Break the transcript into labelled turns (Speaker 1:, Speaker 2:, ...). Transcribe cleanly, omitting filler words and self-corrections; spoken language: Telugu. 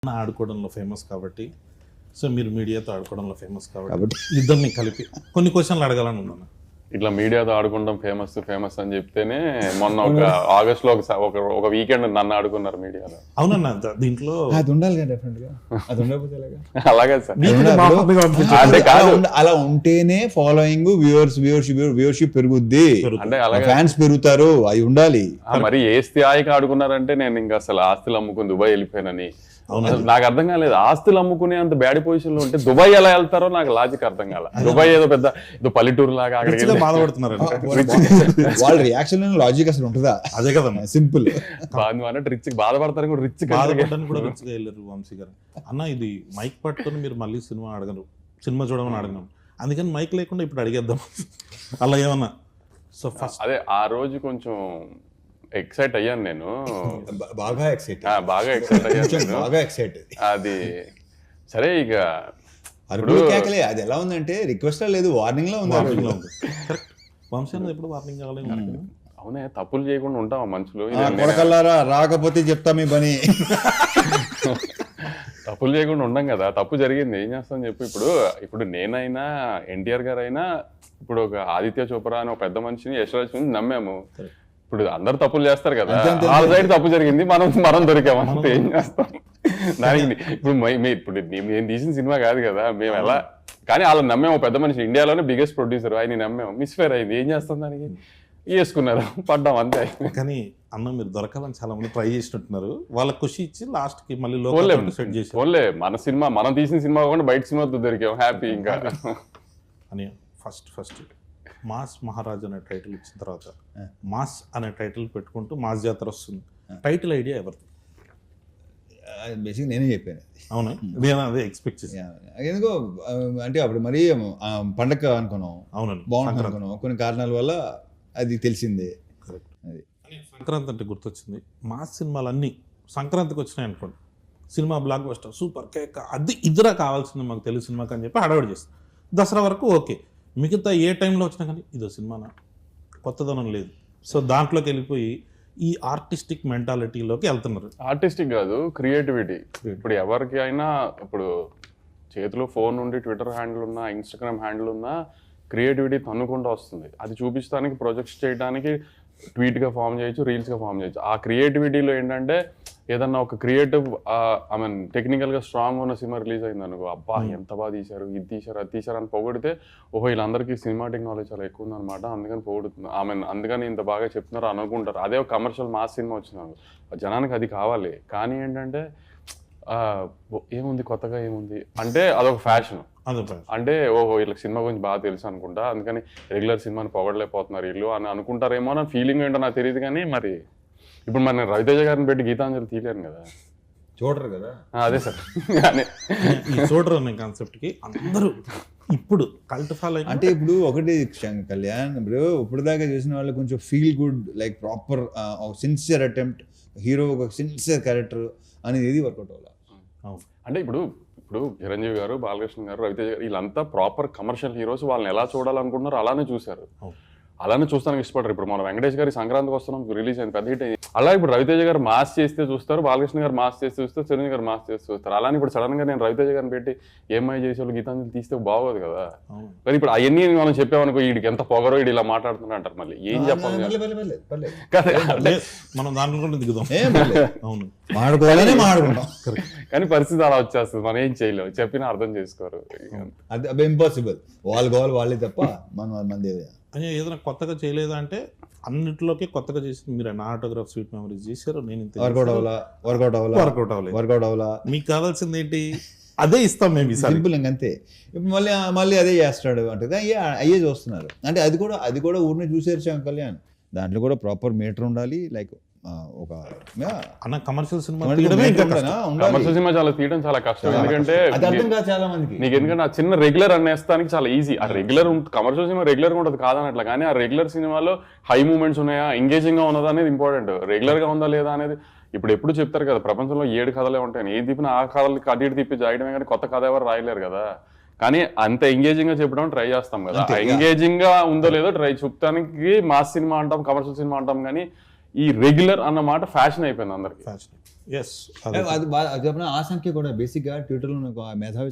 Speaker 1: ఆడుకోవడంలో ఫేమస్ కాబట్టి, సో మీరు మీడియాతో ఆడుకోవడంలో ఫేమస్ కాబట్టి ఇద్దరిని కలిపి కొన్ని క్వశ్చన్లు అడగాలని ఉన్నాను.
Speaker 2: ఇట్లా మీడియాతో ఆడుకుంటాం ఫేమస్ అని చెప్తేనే మొన్న ఒక ఆగస్ట్ లో ఒక వీకెండ్ నన్ను ఆడుకున్నారు మీడియాలో.
Speaker 1: అవునన్నా, దీంట్లో
Speaker 3: అది ఉండాలి కదా, డెఫినెట్ గా అది ఉండకపోతే ఎలాగా?
Speaker 2: అలాగే సార్,
Speaker 3: అంటే అలా ఉంటేనే ఫాలోయింగ్, వ్యూవర్షిప్ పెరుగుద్ది,
Speaker 2: అంటే అలాగే
Speaker 3: ఫ్యాన్స్ పెరుగుతారు, అవి ఉండాలి.
Speaker 2: మరి ఏ స్థాయికి ఆడుకున్నారంటే నేను ఇంకా అసలు ఆస్తులు అమ్ముకుని దుబాయ్ వెళ్ళిపోయానని. నాకు అర్థం కాలేదు, ఆస్తులు అమ్ముకునే అంత బ్యాడ్ పొజిషన్ లో ఉంటే దుబాయ్ ఎలా వెళ్తారో నాకు లాజిక్ అర్థం కాల. దుబాయ్ ఏదో పెద్ద ఏదో పల్లెటూరు లాగా అక్కడికి
Speaker 1: బాధపడుతున్నారు.
Speaker 3: వాళ్ళ రియాక్షన్ లాజిక్ అసలు ఉంటుందా?
Speaker 1: అదే కదా
Speaker 3: సింపుల్.
Speaker 2: అన్నట్టు రిచ్ బాధపడతారు కూడా, రిచ్
Speaker 1: బాధపడడానికి కూడా రిచ్గా వెళ్ళారు వంశీ గారు. అన్న ఇది మైక్ పట్టుకొని మీరు మళ్ళీ సినిమా అడగరు, సినిమా చూడమని అడగను, అందుకని మైక్ లేకుండా ఇప్పుడు అడిగేద్దాం అలా ఏమన్నా. సో ఫస్ట్
Speaker 2: అదే ఆ రోజు కొంచెం ఎక్సైట్ అయ్యాను నేను,
Speaker 3: బాగా ఎక్సైట్
Speaker 2: అయ్యాను. అది సరే, ఇక
Speaker 3: కేకలే. అది ఎలా ఉందంటే రిక్వెస్ట్ లేదు, వార్నింగ్ లో ఉంది.
Speaker 1: వంశీ అన్నది ఎప్పుడు వార్నింగ్ కావాలి.
Speaker 2: అవునే, తప్పులు చేయకుండా ఉంటాం మనుషులు.
Speaker 3: కొడకల్లారా, రాకపోతే చెప్తా మీ పని.
Speaker 2: తప్పులు చేయకుండా ఉండం కదా, తప్పు జరిగింది ఏం చేస్తాం చెప్పు. ఇప్పుడు నేనైనా ఎన్టీఆర్ గారు అయినా, ఇప్పుడు ఒక ఆదిత్య చోప్రా అని ఒక పెద్ద మనిషిని, యశ్వరాజ్ నమ్మాము. ఇప్పుడు అందరు తప్పులు చేస్తారు కదా, వాళ్ళ సైడ్ తప్పు జరిగింది, మనం దొరికామంటే ఏం చేస్తాం దానికి. ఇప్పుడు నేను తీసిన సినిమా కాదు కదా, మేము ఎలా, కానీ వాళ్ళని నమ్మాము. పెద్ద మనిషి, ఇండియాలోనే బిగ్గెస్ట్ ప్రొడ్యూసర్, ఆయన నమ్మాము, మిస్ఫేర్ అయింది, ఏం చేస్తాం దానికి, వేసుకున్నారు, పడ్డాం అంతే.
Speaker 1: కానీ అన్న మీరు దొరకాలని చాలా మంది ట్రై చేసినట్టున్నారు, వాళ్ళ ఖుషి ఇచ్చి లాస్ట్ కి మళ్ళీ సెట్ చేసి
Speaker 2: ఓన్లే మన సినిమా, మనం తీసిన సినిమా కాకుండా బయట సినిమాతో దొరికాం, హ్యాపీ. ఇంకా
Speaker 1: అని ఫస్ట్ మాస్ మహారాజ్ అనే టైటిల్ ఇచ్చిన తర్వాత మాస్ అనే టైటిల్ పెట్టుకుంటూ మాస్ జాతర వస్తుంది. టైటిల్ ఐడియా ఎవరిది?
Speaker 3: బేసిక్ నేనే చెప్పాను.
Speaker 1: అవునా, నేను అదే ఎక్స్పెక్ట్ చేశాను.
Speaker 3: ఎందుకో అంటే అప్పుడు మరీ పండగ అనుకున్నాం, అవునండి బాగుంటుంది అనుకున్నాం, కొన్ని కారణాల వల్ల అది తెలిసిందే.
Speaker 1: అది సంక్రాంతి అంటే గుర్తొచ్చింది, మాస్ సినిమాలన్నీ సంక్రాంతికి వచ్చినాయి అనుకోండి, సినిమా బ్లాక్ బస్టర్ సూపర్ కేక్, అది ఇద్దరా కావాల్సింది మాకు తెలుగు సినిమాకి అని చెప్పి హడావిడి చేస్తాం. దసరా వరకు ఓకే, మిగతా ఏ టైంలో వచ్చినా కానీ ఇదో సినిమానా, కొత్తదనం లేదు. సో దాంట్లోకి వెళ్ళిపోయి ఈ ఆర్టిస్టిక్ మెంటాలిటీలోకి వెళ్తున్నారు.
Speaker 2: ఆర్టిస్టిక్ కాదు, క్రియేటివిటీ. ఇప్పుడు ఎవరికి అయినా ఇప్పుడు చేతిలో ఫోన్ ఉండి ట్విట్టర్ హ్యాండిల్ ఉన్నా, ఇన్స్టాగ్రామ్ హ్యాండిల్ ఉన్నా, క్రియేటివిటీ తన్నుకుంటూ వస్తుంది. అది చూపించడానికి, ప్రొజెక్ట్స్ చేయడానికి ట్వీట్గా ఫామ్ చేయొచ్చు, రీల్స్గా ఫామ్ చేయొచ్చు. ఆ క్రియేటివిటీలో ఏంటంటే ఏదన్నా ఒక క్రియేటివ్ ఐ మీన్ టెక్నికల్గా స్ట్రాంగ్ ఉన్న సినిమా రిలీజ్ అయింది అనుకో, అబ్బా ఎంత బాగా తీశారు, ఇది తీశారు, అది తీశారు అని పొగిడితే, ఓహో వీళ్ళందరికీ సినిమాటిక్ నాలెడ్జ్ చాలా ఎక్కువ ఉందన్నమాట, అందుకని పొగుడుతుంది, ఐ మీన్ అందుకని ఇంత బాగా చెప్తున్నారు అనుకుంటారు. అదే ఒక కమర్షియల్ మాస్ సినిమా వచ్చింది, జనానికి అది కావాలి. కానీ ఏంటంటే ఏముంది కొత్తగా, ఏముంది అంటే అదొక ఫ్యాషన్. అంటే ఓహో వీళ్ళకి సినిమా గురించి బాగా తెలుసు అనుకుంటా, అందుకని రెగ్యులర్ సినిమాని పొగడలేకపోతున్నారు వీళ్ళు అని అనుకుంటారేమో నా ఫీలింగ్ ఏంటో నాకు తెలియదు. కానీ మరి ఇప్పుడు మన రవితేజ గారిని పెట్టి గీతాంజలి తీయలేను కదా,
Speaker 3: చూడరు కదా.
Speaker 2: అదే సార్,
Speaker 1: ఈ చూడరు అనే కాన్సెప్ట్కి అందరూ ఇప్పుడు కల్ట్ ఫాలో.
Speaker 3: అంటే ఇప్పుడు ఒకటి కళ్యాణ్, ఇప్పుడు దాకా చూసిన వాళ్ళు కొంచెం feel good, like proper sincere attempt, hero ఒక సిన్సియర్ క్యారెక్టర్ అనేది ఏది వర్కౌట్ అవ్వాలి.
Speaker 2: అంటే ఇప్పుడు చిరంజీవి గారు, బాలకృష్ణ గారు, రవితేజ గారు వీళ్ళంతా ప్రాపర్ కమర్షియల్ హీరోస్, వాళ్ళని ఎలా చూడాలనుకుంటున్నారు అలానే చూశారు, అలానే చూస్తానికి ఇష్టపడరు. ఇప్పుడు మన వెంకటేష్ గారి సంక్రాంతికి వస్తున్నాం రిలీజ్ అయింది, పెద్ద హిట్ అయింది. అలా ఇప్పుడు రవితేజ గారు మాస్ చేస్తే చూస్తారు, బాలకృష్ణ గారు మాస్ చేస్తే చూస్తారు, చిరంజీవి గారు మాస్ చేస్తే చూస్తారు. అలానే ఇప్పుడు సడన్ గా నేను రవితేజ గారిని పెట్టి ఏమై చేసేవాళ్ళు గీతాంజలి తీస్తే బాగోదు కదా. కానీ ఇప్పుడు అవన్నీ మనం చెప్పామనుకో, వీడికి ఎంత పొగరో, వీడు ఇలా మాట్లాడుతున్నా అంటారు, మళ్ళీ ఏం చెప్పాలి
Speaker 1: మనం దాంట్లో దిగుదాం. అవును,
Speaker 2: కానీ పరిస్థితి అలా వచ్చేస్తుంది, మనం ఏం చేయలేము, చెప్పినా అర్థం చేసుకోరు.
Speaker 3: అది ఇంపాసిబుల్, వాళ్ళు కావాలి వాళ్ళే తప్ప మన
Speaker 1: అని ఏదైనా కొత్తగా చేయలేదా అంటే అన్నింటిలోకి కొత్తగా చేసింది మీరు. నా ఆటోగ్రాఫ్ స్వీట్ మెమరీస్ చేశారు, నేను వర్కౌట్ అవ్వలా. మీకు కావాల్సింది ఏంటి, అదే ఇస్తాం మేము
Speaker 3: సింపుల్ అంతే. ఇప్పుడు మళ్ళీ అదే చేస్తాడు అంటే అయ్యే చూస్తున్నారు. అంటే అది కూడా ఊరిని చూసేరు కళ్యాణ్, దాంట్లో కూడా ప్రాపర్ మీటర్ ఉండాలి. లైక్ ఒక
Speaker 1: అన్న కమర్షియల్ సినిమా
Speaker 2: చాలా తీయడం చాలా కష్టం, ఎందుకంటే
Speaker 3: చాలా మందికి
Speaker 2: నీకు ఎందుకంటే ఆ చిన్న రెగ్యులర్ అనేస్తానికి చాలా ఈజీ. ఆ రెగ్యులర్ కమర్షియల్ సినిమా రెగ్యులర్ గా ఉంటుంది కాదనట్లా, కానీ ఆ రెగ్యులర్ సినిమాలో హై మూమెంట్స్ ఉన్నాయా, ఎంగేజింగ్ గా ఉన్నదా అనేది ఇంపార్టెంట్. రెగ్యులర్ గా ఉందా లేదా అనేది ఇప్పుడు ఎప్పుడు చెప్తారు కదా, ప్రపంచంలో 7 కథలే ఉంటాయి, ఏది తిప్పినా ఆ కథలకి అటు ఇటు తిప్పి జాయడమే, కానీ కొత్త కథ ఎవరు రాయలేరు కదా. కానీ అంత ఎంగేజింగ్ గా చెప్పడం ట్రై చేస్తాం కదా, ఎంగేజింగ్ గా ఉందో లేదో ట్రై చూపడానికి మాస్ సినిమా అంటాం, కమర్షియల్ సినిమా అంటాం. కానీ ఈ రెగ్యులర్ అన్న మాట ఫ్యాషన్ అయిపోయింది అందరికి.
Speaker 1: ఎస్
Speaker 3: అది చెప్పిన ఆ సంఖ్య కూడా బేసిక్గా ట్విట్టర్లో నాకు ఆ మేధావి